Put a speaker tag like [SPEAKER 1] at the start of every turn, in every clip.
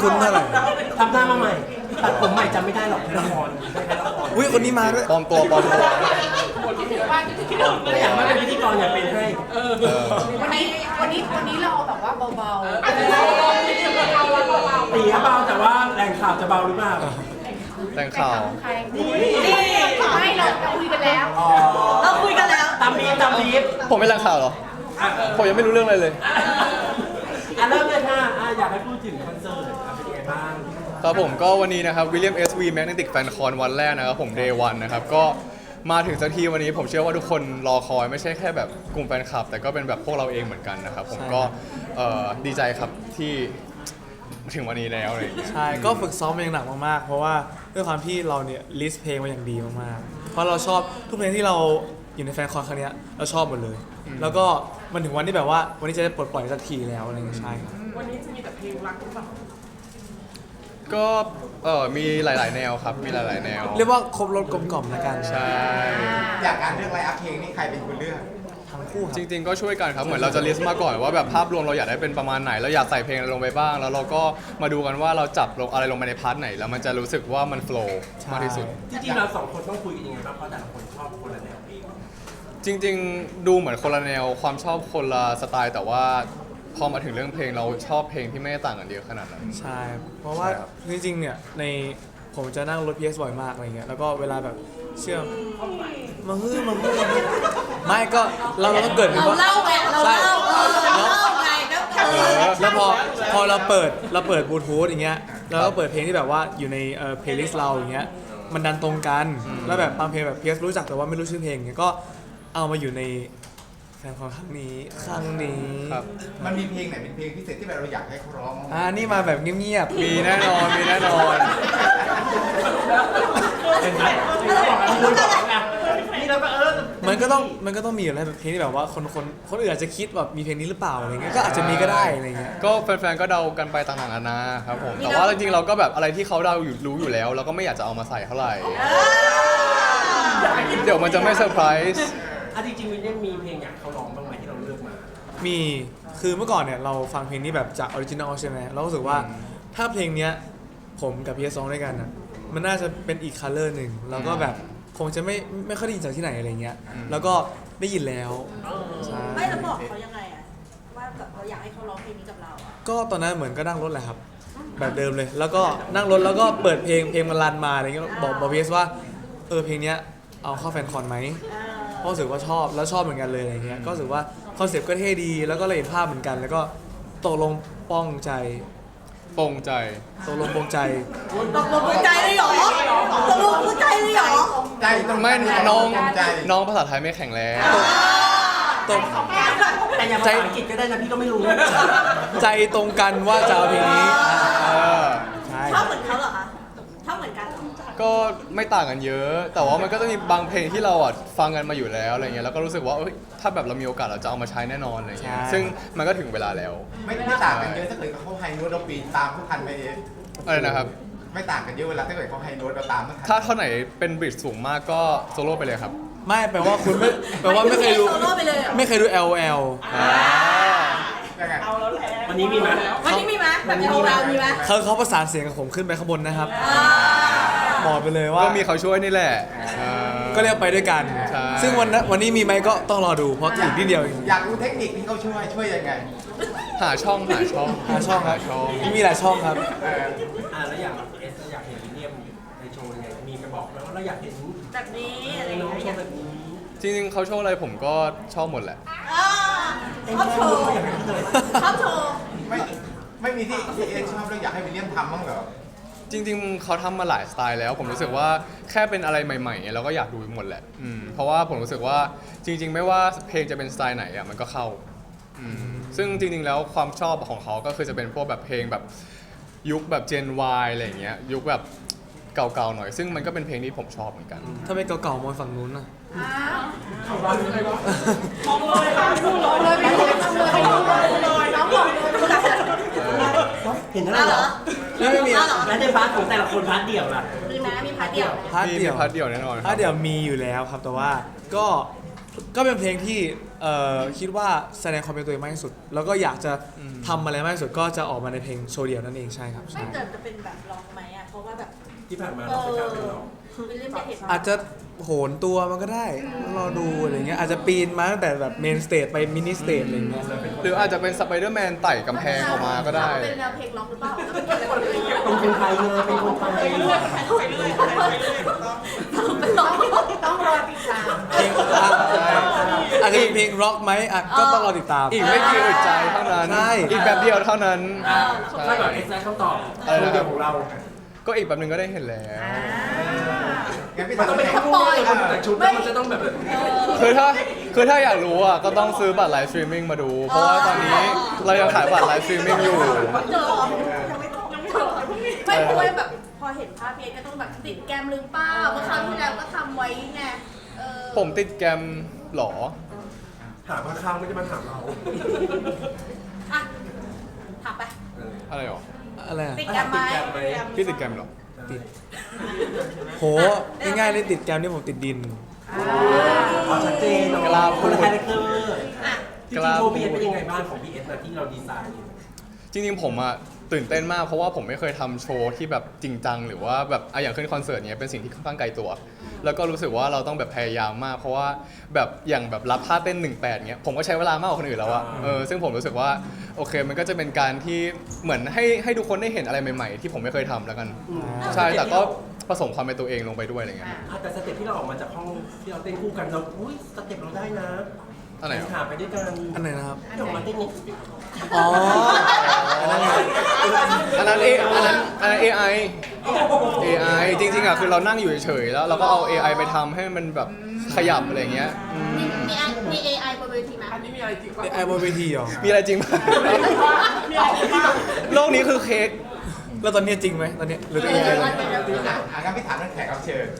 [SPEAKER 1] คุ้นเท่าไหร่
[SPEAKER 2] ทำหน้ามาใหม่ตัดผมใหม่จำไม่ได้หรอกในละคร
[SPEAKER 1] อุ้ยคนนี้มาด้วย
[SPEAKER 3] ปลอมตัว
[SPEAKER 2] ก็อยากมาเป็นพิธีกรอยากเป็นให้
[SPEAKER 4] วันนี้เราแบบว่าเบา
[SPEAKER 2] ตีเบาแต่ว่าแรงข่าวจะเบาหรือเปล่า
[SPEAKER 3] แต่งข่าว
[SPEAKER 4] ๆใครนี่ไม่เราคุยกันแล้ว
[SPEAKER 5] เราคุยกันแล้ว
[SPEAKER 2] ตามบีฟ
[SPEAKER 3] ผมไม่แรงข่าวเหรอ
[SPEAKER 2] อ่ะ
[SPEAKER 3] ผมยังไม่รู้เรื่องอะไรเลย
[SPEAKER 2] เริ่มเลยค่ะอยากให้พูดถึงคอนเสิร์ตเป็นยังไงบ้าง
[SPEAKER 3] ครับผมก็วันนี้นะครับ William SV Magnetic Fan Con วันแรกนะครับผม Day 1นะครับก็มาถึงสักทีวันนี้ผมเชื่อว่าทุกคนรอคอยไม่ใช่แค่แบบกลุ่มแฟนคลับ แต่ก็เป็นแบบพวกเราเองเหมือนกันนะครับผมก็ดีใจครับที่ถึงวันนี้แล้วอะไรอย่างเงี้ย
[SPEAKER 1] ใช่ก็ฝึกซ้อมมาอย่างหนักมากๆเพราะว่าด้วยความที่เราเนี่ยลิสต์เพลงมาอย่างดีมากๆเพราะเราชอบทุกเพลงที่เราอยู่ในแฟนคอนครั้งเนี้ยเราชอบหมดเลย แล้วก็มันถึงวันที่แบบว่าวันนี้จะได้ปลดปล่อยสักทีแล้วอะไรเงี้ยใช่ครับ
[SPEAKER 2] วันนี้จะมีแต่เพลงรักหรือเปล่า
[SPEAKER 3] ก็มีหลาย ๆ แนวครับมีหลาย ๆ แนว
[SPEAKER 1] เรียกว่าครบรถกลมกล่อมแล้วกัน
[SPEAKER 3] ใช่
[SPEAKER 6] อยากการเลือกไลน์อัพเพลงนี่ใครเป็นคนเลือก
[SPEAKER 1] ทั้งคู่ครั
[SPEAKER 3] จ
[SPEAKER 1] บ
[SPEAKER 3] ริง ๆ ก็ช่วยกันครับเหมือนเราจะลิสต์มาก่อนว่าแบบภาพรวมเราอยากได้เป็นประมาณไหนเราอยากใส่เพลงอะไรลงไปบ้าง แล้วเราก็มาดูกันว่าเราจับลงอะไรลงไปในพาร์ทไหนแล้วมันจะรู้สึกว่ามันโฟล์มากที่สุด
[SPEAKER 2] จริงๆเราสองคนต้องคุยกันยังไงบ้างเพราะแต่ละคนชอบคนละแนวเพลง
[SPEAKER 3] จริง ๆ ดูเหมือนคนละแนวความชอบคนละสไตล์แต่ว่าพอมาถึงเรื่องเพลงเราชอบเพลงที่ไม่ได้ต่างกันเยอะขนาดนั้น
[SPEAKER 1] ใช่ เพราะว่า
[SPEAKER 3] ใช่ครับ
[SPEAKER 1] จริงๆเนี่ยในผมจะนั่งรถ PS บ่อยมากอะไรเงี้ยแล้วก็เวลาแบบเชื่อมมาฮื้อไม่ก็เราต้องเกิด
[SPEAKER 5] เราเล่าไงเราเล่าเราเล่าไงก็คือ
[SPEAKER 1] แล้วพอเราเปิดบลูทูธอย่างเงี้ยแล้วก็เปิดเพลงที่แบบว่าอยู่ในเพลย์ลิสต์เราอย่างเงี้ยมันดันตรงกันแล้วแบบบางเพลงแบบ PS รู้จักแต่ว่าไม่รู้ชื่อเพลงเงี้ยก็เอามาอยู่ในแฟนคอนครั้งนี้
[SPEAKER 3] ครับ
[SPEAKER 6] มันมีเพลงไหนเป็นเพลงพิเศษที่แบบเราอยากให้เขาร้องบ้างไหม
[SPEAKER 1] นี่มาแบบเงียบ
[SPEAKER 3] มีแน่นอนมีแน่นอน
[SPEAKER 2] เห็นไหมนี่เราบอกกันที่เราบอกไงนี่เราก็
[SPEAKER 1] มันก็ต้องมีอะไรแบบเพลงที่แบบว่าคนอื่นอาจจะคิดแบบมีเพลงนี้หรือเปล่าอะไรเงี้ยก็อาจจะมีก็ได้อะไรเงี้ย
[SPEAKER 3] ก็แฟนๆก็เดากันไปต่างๆนานาครับผมแต่ว่าจริงๆเราก็แบบอะไรที่เขาเดาอยู่รู้อยู่แล้วเราก็ไม่อยากจะเอามาใส่เท่าไหร่เดี๋ยวมันจะไม่เซอร์ไพรส์
[SPEAKER 2] จริงๆวินเนี่ยมีเพลงอยากเขาร้องบ้างไหมที่เราเลือกมา
[SPEAKER 1] มีคือเมื่อก่อนเนี่ยเราฟังเพลงนี้แบบจากออริจินอลใช่ไหมเรารู้สึกว่าถ้าเพลงเนี้ยผมกับพีเอสองด้วยกันอ่ะมันน่าจะเป็นอีกคัลเลอร์หนึ่งแล้วก็แบบคงจะไม่ค่อยได้ยินจากที่ไหนอะไรเงี้ยแล้วก็ได้ยินแล้วใช่
[SPEAKER 5] ไม่เราบอกเขายังไงอะว่าแบบเราอยากให้เขาร้องเพลงนี้กับเราอะ
[SPEAKER 1] ก็ตอนนั้นเหมือนก็นั่งรถแหละครับแบบเดิมเลย แล้วก็นั่งรถแล้วก็เปิดเพลงมันรันมาอะไรเงี้ยบอกพีเอสว่าเพลงเนี้ยเอาเข้าแฟนคอนไหมเพราะรู้สึกว่าชอบแล้วชอบเหมือนกันเลยอะไรเงี้ยก็รู้สึกว่าคอนเซปต์ก็เท่ดีแล้วก็เลยเห็นภาพเหมือนกัน แล้วก็ตกลงป้องใจ
[SPEAKER 3] ปรงใจ
[SPEAKER 1] ตกลงปรงใจ
[SPEAKER 5] ตกลงหัวใจเลยเหรอตกลงหัวใจเลยเหรอ
[SPEAKER 6] ใจตรง
[SPEAKER 3] ไม่
[SPEAKER 6] ใจ
[SPEAKER 3] น้อง
[SPEAKER 6] ใจ
[SPEAKER 3] น้องภาษาไทยไม่แข็งแรง
[SPEAKER 1] ตก
[SPEAKER 2] แต่อย่างภาษาอังกฤษก็ได้นะพี่ก็ไม่รู้
[SPEAKER 1] ใจตรงกันว่าจะเอาเพลงนี้
[SPEAKER 3] เออ
[SPEAKER 1] ใช่
[SPEAKER 5] ชอบเหมือนเขาเหรอคะชอบเหมือนกันเหรอ
[SPEAKER 3] ก็ไม่ต่างกันเยอะ แต่ว่ามันก็จะมีบางเพลงที่เราฟังกันมาอยู่แล้วอะไรเงี้ยแล้วก็รู้สึกว่าถ้าแบบเรามีโอกาสเราจะเอามาใช้แน่นอนอะไรเงี้ยซึ่งมันก็ถึงเวลาแล้ว
[SPEAKER 6] ไม่ต่างกันเยอะถ้าเกิดเขาไฮโน้ตเราปีนตามผู้ทันไปเอง
[SPEAKER 3] อะไรนะครับ
[SPEAKER 6] ไม่ต่างกันเยอะเวลาถ้าเกิดเขาไฮโน้ตเราตามไม่ทัน
[SPEAKER 3] ถ้าเท่าไหนเป็นบริดสูงมากก็โซโล่ไปเลยครับ
[SPEAKER 1] ไม่แปลว่าคุณไม่แปลว่าไม่เคยดู
[SPEAKER 5] โซโล่ไปเลยเหรอ
[SPEAKER 1] ไม่เคยดู LOL
[SPEAKER 6] ยังไง
[SPEAKER 2] วันนี้มีไหม
[SPEAKER 5] วันนี้มีไหมแบบเรามีไหม
[SPEAKER 1] เขาประสานเสียงกับผมขึ้นไปข้างบนนะครับบอกไปเลยว่า
[SPEAKER 3] ก็มีเขาช่วยนี่แหละ
[SPEAKER 1] ก็เรียกไปด้วยกัน
[SPEAKER 3] ใช่
[SPEAKER 1] ซึ่งวันนี้มีไหมก็ต้องรอดูเพราะอีกนิดเดียวเอง
[SPEAKER 6] อยากรู้เทคนิคที่เขาช่วยยังไง
[SPEAKER 3] หาช่อง
[SPEAKER 1] หาช่องครับ
[SPEAKER 3] ช่อง
[SPEAKER 1] มีหลายช่องครับ
[SPEAKER 2] แล้วอย่างเอสอยากเห็นวิลเลียมในโชว์ยังไงมีไปบอกแล้วว่าเราอยากเห็น
[SPEAKER 5] แบบนี้อะไร
[SPEAKER 2] น้อง
[SPEAKER 5] อย่าง
[SPEAKER 2] โช
[SPEAKER 5] เงี้ย
[SPEAKER 2] ว์แบบนี้
[SPEAKER 3] จริงๆเขาโชว์อะไรผมก็ชอบหมดแหละ
[SPEAKER 5] ชอบโชว์ชอบโชว์
[SPEAKER 6] ไม่มีที่เอชอบแล้วอยากให้วิลเลียมทำบ้างเหรอ
[SPEAKER 3] จริงๆเขาทำมาหลายสไตล์แล้ว ผมรู้สึกว่าแค่เป็นอะไรใหม่ๆเราก็อยากดูหมดแหละเพราะว่าผมรู้สึกว่าจริง ๆ ไม่ว่าเพลงจะเป็นสไตล์ไหนมันก็เข้าซึ่งจริงๆแล้วความชอบของเขาก็คือจะเป็นพวกแบบเพลงแบบยุคแบบ Gen Y อะไรอย่างเงี้ยยุคแบบเก่าๆหน่อย ซึ่งมันก็เป็นเพลงที่ผมชอบเหมือนกัน
[SPEAKER 1] ถ้าเป็นเก่าๆมองฝั่งนู้นนะ
[SPEAKER 2] เห็นเท่าไหร่เหรอ
[SPEAKER 1] ไม่มี
[SPEAKER 2] แล้วในพาร์ทของแต่ละคนพาร์ทเดี่ยวล่ะ
[SPEAKER 5] มีไหมมีพาร์ทเดียวไหม
[SPEAKER 1] พาร์ท
[SPEAKER 3] มี
[SPEAKER 1] เดี่ยว
[SPEAKER 3] พาร์ทเดียวแน่นอนค
[SPEAKER 1] พา
[SPEAKER 3] รั
[SPEAKER 1] ร์ทเดี่ยวมีอยู่แล้วครับแต่ว่าก็ก็เป็นเพลงที่คิดว่าแสดงความเป็นตัวเองมากที่สุด แล้วก็อยากจะทำอะไรมากที่สุดก็จะออกมาในเพลงโชว์เดียวนั่นเองใช่ครับ
[SPEAKER 5] ไม่
[SPEAKER 1] ใช่
[SPEAKER 5] เกิดจะเป็นแบบร้องไหมอ่ะเพราะว่าแบบ
[SPEAKER 2] ที่ผ่านมาเราไม่กล้าเป็นหรอก
[SPEAKER 5] วิลเลียมจะเห็น
[SPEAKER 1] อาจจะโหนตัวมันก็ได้รอดูอะไรเงี้ยอาจจะปีนมาตั้งแต่แบบเมนสเตจไปมินิสเตจอะไรเงี้ย
[SPEAKER 3] หรืออาจจะเป็นสไปเดอร์แมนไต่กำแพงออกมาก็ได้
[SPEAKER 5] เป็นแนวเพลงล็อกหรือเปล่าแล้วมันเกี่ยวอะไรกับเพลง
[SPEAKER 2] เป็นคนไทยเลยเป็นคนไทย
[SPEAKER 4] ต้องรอติดตาม
[SPEAKER 1] เพลงอาจจะเป็นเพลงร็อกไหมอ่ะก็ต้องรอติดตาม
[SPEAKER 3] อีกไม่กี่อึดใจเท่านั้น
[SPEAKER 1] ใช่
[SPEAKER 3] อีกแบบเดียวเท่านั้นใช่
[SPEAKER 2] ถ้าแบบเอ็กซ์ได้คำตอบ
[SPEAKER 3] อะไรนะ
[SPEAKER 2] เดียวของเรา
[SPEAKER 3] ก็อีกแบบหนึงก็ได้เห็นแล้ว
[SPEAKER 6] งั้นพี่
[SPEAKER 2] มัน
[SPEAKER 6] ถาม
[SPEAKER 2] ต้องเป็น
[SPEAKER 6] แข่ง
[SPEAKER 2] คู่เลยคนแต่ชุดแล้วมันจะต้องแบบ
[SPEAKER 3] คือถ้าอยากรู้อ่ะก็ต้องซื้อบัตรไลฟ์สตรีมมิ่งมาดู เพราะว่าตอนนี้เรายังขายบัตรไลฟ์สตรีมมิ่งอยู่
[SPEAKER 5] เจอไม่เพราะว่าแบบพอเห็นภาพเพลงก็ต้องแบบติดแกมหรือเปล่าเมื่อคราวที่แล้วก็ทำไว้ไงเ
[SPEAKER 3] ผมติดแกรมหรอ
[SPEAKER 2] ถามข้างๆไม่ได้มาถามเรา
[SPEAKER 5] อ่ะถามไป
[SPEAKER 3] อะไรหรอ
[SPEAKER 1] อะไรอ่ะ
[SPEAKER 5] ติดแกมไหม
[SPEAKER 3] พี่ติดแกรมหรอ
[SPEAKER 1] ติดโหง่ายๆเลยติดแกมนี่ผมติดดิน
[SPEAKER 2] อ๋อชัดเจน
[SPEAKER 3] กล้าพูด
[SPEAKER 2] คนละคาแรคเตอร์
[SPEAKER 5] อ่ะ
[SPEAKER 2] จริงๆโชว์พีเอสเป็นยังไงบ้างของพีเอสนะที่เราดีไซน์อยู่
[SPEAKER 3] จริงๆผมอะตื่นเต้นมากเพราะว่าผมไม่เคยทำโชว์ที่แบบจริงจังหรือว่าแบบอย่างขึ้นคอนเสิร์ตเนี้ยเป็นสิ่งที่ค่อนข้างไกลตัว แล้วก็รู้สึกว่าเราต้องแบบพยายามมาก เพราะว่าแบบอย่างแบบรับท่าเต้น 18เนี้ยผมก็ใช้เวลามากกว่าคนอื่นแล้วอะซึ่งผมรู้สึกว่าโอเคมันก็จะเป็นการที่เหมือนให้ทุกคนได้เห็นอะไรใหม่ๆ ที่ผมไม่เคยทำแล้วกัน ใช่แต่ก็ผสมความเป็นตัวเองลงไปด้วยอะไรเงี้ย
[SPEAKER 2] แต่สเต็ปที่เราออกมาจากห้องที่เราเต้นคู่กันเราอุ้ยสเต็ปเราได้นะ
[SPEAKER 3] อะไรหรอ
[SPEAKER 2] ขาไปด้วยกัน
[SPEAKER 1] อันไหนนะครับ
[SPEAKER 2] ที่ออกมาเต้นนี่
[SPEAKER 1] อ๋ออันนั้นไง
[SPEAKER 3] อันนั้น AI AI จริงๆอะคือเรานั่งอยู่เฉยๆแล้วเราก็เอา AI ไปทำให้มันแบบขยับอะไรเงี้ย
[SPEAKER 5] มี AI บนเวทีไหม
[SPEAKER 1] ไอบนเวทีเหรอ
[SPEAKER 3] มีอะไรจริงไหมโลกนี้คือเค้ก
[SPEAKER 1] แล้วตอนนี้จริงไหมตอนนี้หรือเป็นยังไงตอนนี้
[SPEAKER 6] งั้นพี่ถามเรื่องแขกรับเชิญ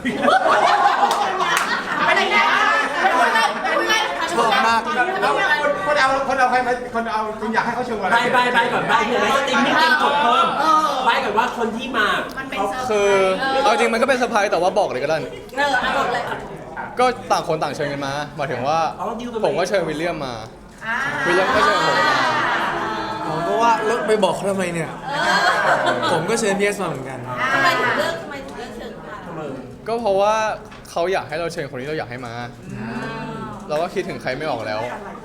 [SPEAKER 5] อะไรนะไม่เป็นไร
[SPEAKER 1] ชอบมาก
[SPEAKER 6] แล้วคนเอาใครมาคนเอาคุณอยากให้เขาโชว์อะไร
[SPEAKER 2] ใบก่อนใบเห็นไหมสตรีมมิ่งเต็มกดเพิ่มใบก่อนว่าคนที่มา
[SPEAKER 5] มันเป็นเซอร์ไพร
[SPEAKER 3] คือ
[SPEAKER 5] ส์
[SPEAKER 3] เอาจริงมันก็เป็นเซอร์ไพรส์แต่ว่าบอกเลยก็ได้
[SPEAKER 5] เอาหมดเลย
[SPEAKER 3] ก็ต่างคนต่างเชิญกันมาหมายถึงว่าผมก็เชิญวิลเลียมมา วิลเลียมก็เชิญผมมา
[SPEAKER 1] ผมก็ว่าแล้วไปบอกเขาทำไมเนี่ย ผมก็เชิญพีเอสมาเหมือนกัน
[SPEAKER 5] ทำไมถึงเลือกเชิญมา
[SPEAKER 3] ก็เพราะว่าเขาอยากให้เราเชิญคนที่เราอยากให้มา เราก็คิดถึงใครไม่ออกแล้ว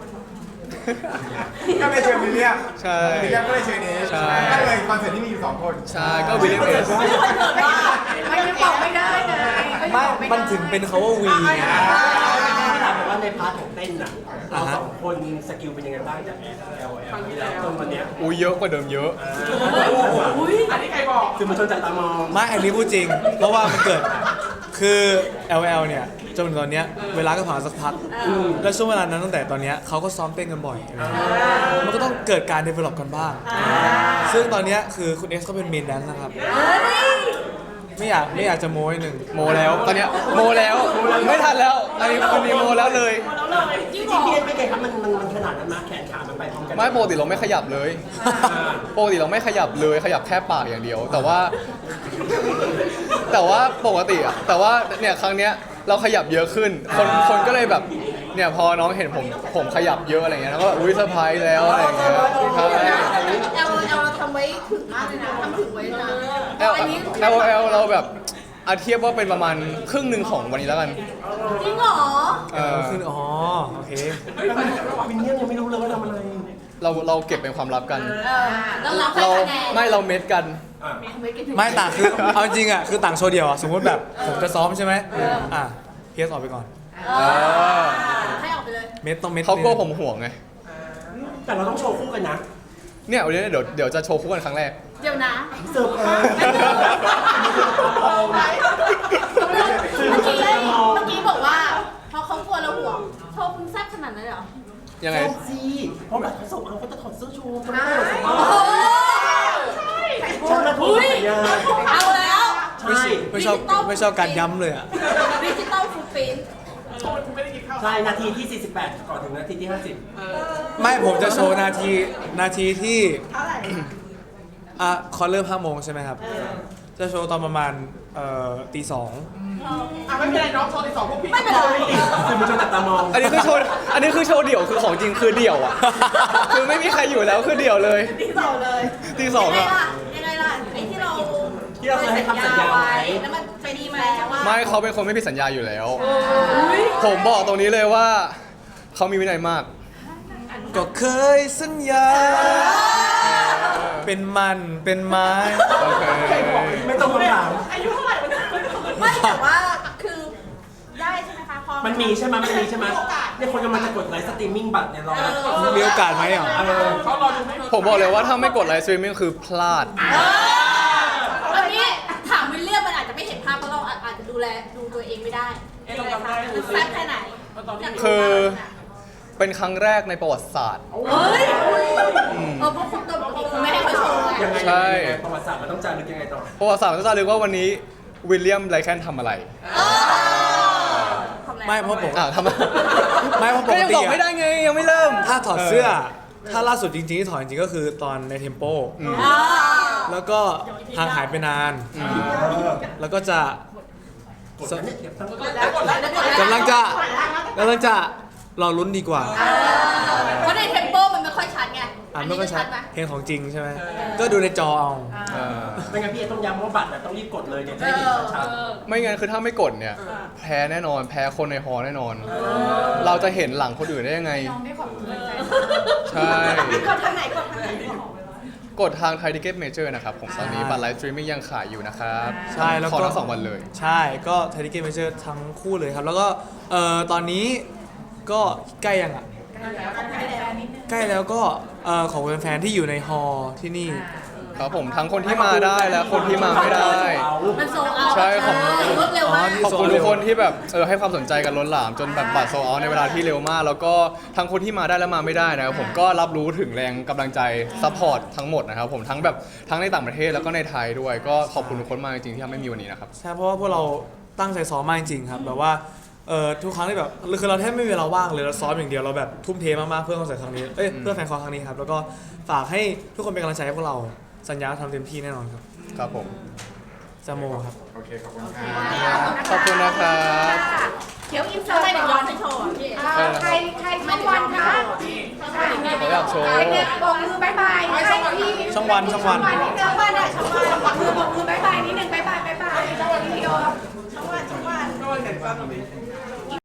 [SPEAKER 6] ก็เลยเชิญวิลเลียม
[SPEAKER 3] ใช่
[SPEAKER 6] วิลเลียมก็เลยเชิญเอส
[SPEAKER 3] ใช่
[SPEAKER 6] ก็เลยคอนเสิร์ตที่มีอยู่2 คน
[SPEAKER 3] ใช่ก็วิลเลียมเอส
[SPEAKER 5] ไม่ได้บอกไม่ได้เลย
[SPEAKER 1] ไม่มันถึงเป็นเขาว่าวีไง
[SPEAKER 2] ถามว่าในพาร์ทของเต้นน่ะเราสองคนสกิลเป็นยังไงบ้างจาก LL ที่แล้วจนวันเนี้ย
[SPEAKER 3] อุ้ยเยอะกว่าเดิมเยอะ
[SPEAKER 2] อันนี้ใครบอกคือมันชนจับตามอง
[SPEAKER 1] ไม่อันนี้พูดจริง เพราะว่ามันเกิดคือ LL เนี่ยจนถึงตอนเนี้ยเวลาก็ผ่านมาสักพักแล้วช่วงเวลานั้นตั้งแต่ตอนเนี้ยเขาก็ซ้อมเต้นกันบ่อยอะไรเงี้ยมันก็ต้องเกิดการ develop กันบ้าง ซึ่งตอนเนี้ยคือคุณเอสก็เป็นเมนแดนซ์นะครับ ไม่อยากจะโม้หนึ่ง
[SPEAKER 3] โมแล้วตอนเนี้ยโมแล้วไม่ทันแล้วอันนี้คนนี้โมแล้วเลย
[SPEAKER 2] จริงๆพี่เอ็นเป็นไงครับมันขนาดนั้นมาแขนขามันไปพร้อมกัน
[SPEAKER 3] ไม่ปกติเราไม่ขยับเลยปกติเราไม่ขยับเลยขยับแค่ปากอย่างเดียว แต่ว่าปกติอะแต่ว่าเนี่ยครั้งเนี้ยเราขยับเยอะขึ้นคนก็เลยแบบเนี่ยพอน้องเห็นผมขยับเยอะอะไรเงี้ยแล้วก็อุ้ยเซอร์ไพรส์แล้วอะไรเงี้ยใช่
[SPEAKER 5] เราทำไว้ถึงมากเลยนะทำถึงไว้นะ
[SPEAKER 3] LOL เราแบบเทียบว่าเป็นประมาณครึ่งหนึ่งของวันนี้แล้วกัน
[SPEAKER 5] จริงเหรอ
[SPEAKER 1] ขึ้นอ๋อโอเค
[SPEAKER 2] วินเนียมยังไม่รู้เลยว่าทำอะไร
[SPEAKER 3] เราเก็บเป็นความลับกัน
[SPEAKER 5] แล้วรับ
[SPEAKER 3] เรา
[SPEAKER 5] คะแนน
[SPEAKER 3] ไม่เราเม็ดกัน
[SPEAKER 1] ไม่ต่างคือเอาจริงอ่ะคือต่างโชว์เดียวอ่ะสมมติแบบผมจะซ้อมใช่ไหมอ่ะพีเอสออกไปก่อน
[SPEAKER 5] ให้ออกไปเลย
[SPEAKER 1] เม็ดต้องเม็ด
[SPEAKER 3] เขากลัวผมห่วงไง
[SPEAKER 2] แต่เราต้องโชว์คู่กันนะ
[SPEAKER 3] เนี่ยวันนี้เดี๋ยวจะโชว์คู่กันครั้งแรก
[SPEAKER 5] เดี๋ยวนะ
[SPEAKER 2] เสิร์ฟเอง
[SPEAKER 5] เมื่อกี้บอกว่าพอเขากลัวเราห่วงโชว์คุณแซ่บขนาดนั้นเหรอ
[SPEAKER 3] ยังไง
[SPEAKER 2] โชว์สิเพราะแบบเขาส่งเขาจะถอดเสื้อโชว์เขาไม่
[SPEAKER 5] โอ้
[SPEAKER 2] ได้
[SPEAKER 5] โห
[SPEAKER 2] โชว์แล้วถูกสัญญา
[SPEAKER 5] เอาแล้ว
[SPEAKER 1] ไม่ชอบการย้ำเลยอ่ะ
[SPEAKER 5] ดิจิตอลฟูดปรินท์
[SPEAKER 2] ใช่นาทีที่ 48 ก่อนถึงนาทีที่ 50
[SPEAKER 1] ไม่ผมจะโชว์นาทีที่คอนเริ่ม5 โมงใช่ไหมครับ จะโชว์ตอนประมาณตี 2
[SPEAKER 6] ไม่เป็นไรน้องโชว์ในสองพวกพี่
[SPEAKER 5] ไม่เป็นไร
[SPEAKER 2] คือมันชนจับตามอง
[SPEAKER 3] อันนี้คือโชว์เดี่ยวคือของจริงคือเดี่ยวอ่ะ คือไม่มีใครอยู่แล้วคือเดี่ยวเลย
[SPEAKER 5] ตีสองเลย
[SPEAKER 3] ตีสอง
[SPEAKER 5] ยังไง
[SPEAKER 3] อ่ะ
[SPEAKER 5] ล่ะยังไงล่ะไอ้ที่เรา
[SPEAKER 2] ที่เราเคยให้คำสัญญาไว้
[SPEAKER 5] แล้วมันไปดีไหมจังว่า
[SPEAKER 3] ไม่เขาเป็นคนไม่ผิดสัญญาอยู่แล้ว ผมบอกตรงนี้เลยว่าเขามีวินัยมาก
[SPEAKER 1] ก็เคยสัญญา เป็นมันเป็นไม้
[SPEAKER 3] โอเค
[SPEAKER 2] ไม่ต้องคำถาม
[SPEAKER 5] ไม่แต่ว่าคือได้ใช่ไหมคะพอ
[SPEAKER 2] มันมีใช่ไหมเนี่ยคนกำลังจะกดไลฟ์สตรีมมิ่งบัตรเนี่ยรอ
[SPEAKER 1] มีโอกาสไหมอ่ะ
[SPEAKER 2] เขารอดูไม่
[SPEAKER 3] ผมบอกเลยว่าถ้าไม่กดไลฟ์สตรีมมิ่งคือพลาด
[SPEAKER 5] อันนี้ถามวิลเลียมมันอาจจะไม่เห็นภาพเพราะเราอาจจะดูตัวเองไม่ได้ยังไงคะคือแซ่บแค่ไหน
[SPEAKER 3] คือเป็นครั้งแรกในประวัติศาสตร์
[SPEAKER 5] เฮ้ยเพราะคุณตัวไม่ให้เขาโชว์ไง
[SPEAKER 2] ยังไง
[SPEAKER 3] ใช่
[SPEAKER 2] ประวัติศาสตร์มันต้องจารึกยังไงต่อ
[SPEAKER 3] ประวัติศาสตร์มันจะรู้ว่าวันนี้วิลเลียมไรแคนทำอะไร
[SPEAKER 1] ไม่เพราะผม
[SPEAKER 3] ทำไม
[SPEAKER 1] ไม่เพราะป
[SPEAKER 3] ก็
[SPEAKER 1] ก
[SPEAKER 3] ยัง
[SPEAKER 1] ติ
[SPEAKER 3] บอกไม่ได้ไงยังไม่เริ่ม
[SPEAKER 1] ถ้าถอดเสื้อ ถ้าล่าสุดจริงๆที่ถอดจริงๆก็คือตอนในเทมโป แล้วก็ห่างหายไปนาน แล้วก็จะกำลังจะรอลุ้นดีกว่า
[SPEAKER 5] เพราะในเทมโปมันไม่ค่อยชัดไง
[SPEAKER 1] ไม่ค่อยชัด
[SPEAKER 5] ไหม
[SPEAKER 1] เพลงของจริงใช่ไหมก็ดูในจอเอา
[SPEAKER 2] ไม่งั้นพี่ต้องย้ำว่าบัตรต้องรีบกดเลยเดี๋ยวจะได้เห็นชัด
[SPEAKER 3] ไม่งั้นคือถ้าไม่กดเนี่ย แพ้แน่นอน แพ้คนในฮอลล์แน่นอน เราจะเห็นหลังคนอื่นได้ยังไง ใช่
[SPEAKER 5] กดทางไหน
[SPEAKER 3] กดทางไทยทิเก็ตเมเจอร์นะครับผมตอนนี้บัตรไลฟ์สตรีมมิ่งยังขายอยู่นะครับ
[SPEAKER 1] ใช่แล้ว
[SPEAKER 3] ขอ
[SPEAKER 1] ก็
[SPEAKER 3] ทั้ง2 วันเลย
[SPEAKER 1] ใช่ก็ไทยทิเก็ตเมเจอร์ทั้งคู่เลยครับ แล้วก็ตอนนี้ก็ใกล้ยังอ่ะ ใกล้แล้วก็ของแฟนๆที่อยู่ในฮอลล์ที่นี่
[SPEAKER 3] ครับผมทั้งคนที่มาได้และคนที่มาไม่ได้
[SPEAKER 5] มันโซเอา
[SPEAKER 3] ใช่ของ
[SPEAKER 5] รวดเร็วมาก
[SPEAKER 1] อ๋อ
[SPEAKER 3] ขอบคุณทุกคนที่แบบให้ความสนใจกันล้นหลามจนแบบบัตรโซลเอาท์ในเวลาที่เร็วมาก แล้วก็ทั้งคนที่มาได้และมาไม่ได้นะครับผมก็รับรู้ถึงแรงกำลังใจซัพพอร์ตทั้งหมดนะครับผมทั้งในต่างประเทศแล้วก็ในไทยด้วย ก็ขอบคุณทุกคนมากจริงๆที่ทำให้มีวันนี้นะครับ
[SPEAKER 1] ใช่เพราะว่าพวกเราตั้งใจซ้อมมากจริงๆครับแบบว่าทุกครั้งที่แบบคือเราแทบไม่มีเวลาว่างเลยเราซ้อมอย่างเดียวเราแบบทุ่มเทมากๆเพื่อคอนเสิร์ตครั้งนี้เพื่อแฟนคอนครั้งนี้ครับแล้วก็ฝากให้ทุกคนเป็นกำลังใจให้พวกเราสัญญาทำเต็มที่แน่นอนครับ
[SPEAKER 3] ครับผม
[SPEAKER 1] จาโมครับ
[SPEAKER 6] โอเคขอบคุณครับ
[SPEAKER 3] ขอบคุณนะครับ
[SPEAKER 4] เดี๋ยวอินเสิ
[SPEAKER 5] ทำ
[SPEAKER 4] ร์ต
[SPEAKER 5] ไมถึงย้อนไปโชว์พี่
[SPEAKER 4] ใครช่องวันคะ
[SPEAKER 3] เขาอยากโชว์
[SPEAKER 4] ใครเนี่ยบอกมือบายบายใครที่
[SPEAKER 1] ช่องวัน
[SPEAKER 4] ช่องวันนิดนึงช่องวันอ่ะช่องวันบอกมือบายบายนิดนึงบายบายวิดีโอช่องวัน